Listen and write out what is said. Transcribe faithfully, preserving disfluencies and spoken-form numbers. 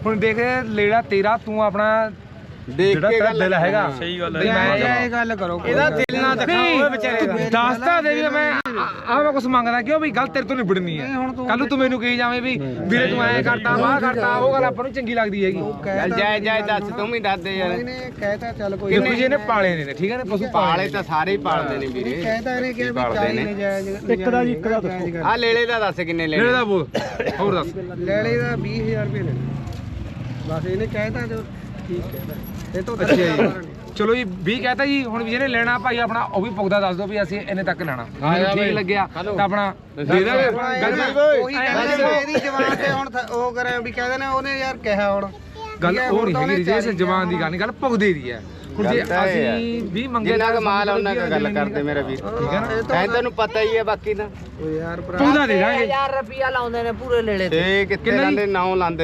ਹੁਣ ਦੇਖ ਲੇੜਾ ਤੇਰਾ ਤੂੰ ਆਪਣਾ ਦੇਖ ਕੇ ਗੱਲ ਦਿਲ ਹੈਗਾ ਸਹੀ ਗੱਲ ਵੀ ਮੈਂ ਇਹ ਗੱਲ ਕਰੋ ਇਹਦਾ ਦਿਲ ਨਾ ਦਿਖਾਓ ਵਿਚਾਰੇ ਦਾ। ਦੱਸਦਾ ਦੇ ਵੀ ਮੈਂ ਆ ਮੈਂ ਕੁਛ ਮੰਗਦਾ ਕਿਉਂ ਵੀ ਗੱਲ ਤੇਰੇ ਤੋਂ ਨਿਬੜਨੀ ਹੈ ਕੱਲ ਨੂੰ ਤੂੰ ਮੈਨੂੰ ਕਹੀ ਜਾਵੇਂ ਵੀ ਵੀਰੇ ਤੂੰ ਐਂ ਕਰਤਾ ਵਾਹ ਕਰਤਾ ਉਹ ਗੱਲ ਆਪਾਂ ਨੂੰ ਚੰਗੀ ਲੱਗਦੀ ਹੈਗੀ ਚੱਲ ਜਾਇ ਜਾਇ ਦੱਸ ਤੂੰ ਵੀ ਦੱਸ ਦੇ ਯਾਰ ਇਹਨੇ ਕਹਿਤਾ ਚੱਲ ਕੋਈ ਕਿੰਨੇ ਜਿਹਨੇ ਪਾਲੇ ਨੇ ਠੀਕ ਹੈ ਨੇ ਪਸ਼ੂ ਪਾਲੇ ਤਾਂ ਸਾਰੇ ਹੀ ਪਾਲਦੇ ਨੇ ਵੀਰੇ ਕਹਿਤਾ ਇਹਨੇ ਕਿ ਵੀ ਚਾਲੀ ਨੇ ਜਾਇਜ਼ ਇੱਕ ਦਾ ਜੀ ਇੱਕ ਦਾ ਦੱਸੋ ਆ ਲੇਲੇ ਦਾ ਦੱਸ ਕਿੰਨੇ ਲੇੜੇ ਲੈਣੇ ਦਾ ਬੋਲ ਹੋਰ ਦੱਸ ਲੈਲੇ ਦਾ ਵੀਹ ਹਜ਼ਾਰ ਰੁਪਏ ਲੈਣੇ ਬਸ ਇਹਨੇ ਕਹਿਤਾ ਜੋ ਠੀਕ ਕਹਿਤਾ ਇਹ ਤੋਂ ਅੱਛਾ ਜੀ ਚਲੋ ਜੀ ਵੀਹ ਕਹਤਾ ਜੀ ਹੁਣ ਵੀ ਜਿਹਨੇ ਲੈਣਾ ਭਾਈ ਆਪਣਾ ਉਹ ਵੀ ਪੁੱਗਦਾ ਦੱਸ ਦਿਓ ਵੀ ਅਸੀਂ ਇੰਨੇ ਤੱਕ ਲੈਣਾ ਠੀਕ ਲੱਗਿਆ ਤਾਂ ਆਪਣਾ ਦੇ ਦਾਂਗੇ ਗੱਲ ਉਹੀ ਕਹਿੰਦੇ ਨੇ ਇਹਦੀ ਜਵਾਨ ਤੇ ਹੁਣ ਥ- ਉਹ ਕਰੇ ਵੀ ਕਹਿੰਦੇ ਨੇ ਉਹਨੇ ਯਾਰ ਕਿਹਾ ਹੁਣ ਗੱਲ ਉਹ ਨਹੀਂ ਹੈਗੀ ਜੇ ਜਵਾਨ ਦੀ ਗੱਲ ਨਹੀਂ ਗੱਲ ਪੁੱਗਦੇ ਦੀ ਹੈ ਹੁਣ ਜੇ ਗੱਲ ਤਾਂ ਇਹ ਹੈ। ਅਸੀਂ ਵੀਹ ਮੰਗੇ ਜਿੰਨਾ ਤਾਂ ਕੁ ਮਾਲ ਆ ਸਾਨੂੰ ਉਹਨਾਂ ਕੁ ਗੱਲ ਕਰਦੇ ਮੇਰਾ ਵੀਰ ਠੀਕ ਹੈ ਨਾ ਐ ਤੈਨੂੰ ਪਤਾ ਹੀ ਹੈ ਬਾਕੀ ਦਾ ਉਹ ਯਾਰ ਭਰਾ ਪੁੱਗਦਾ ਦੇ ਦਾਂਗੇ ਹਜ਼ਾਰ ਰੁਪਿਆ ਲਾਉਂਦੇ ਨੇ ਪੂਰੇ ਲੇਲੇ ਤੇ ਤੇ ਕਿੱਥੇ ਰਹਿੰਦੇ ਨਾਉ ਲਾਂਦੇ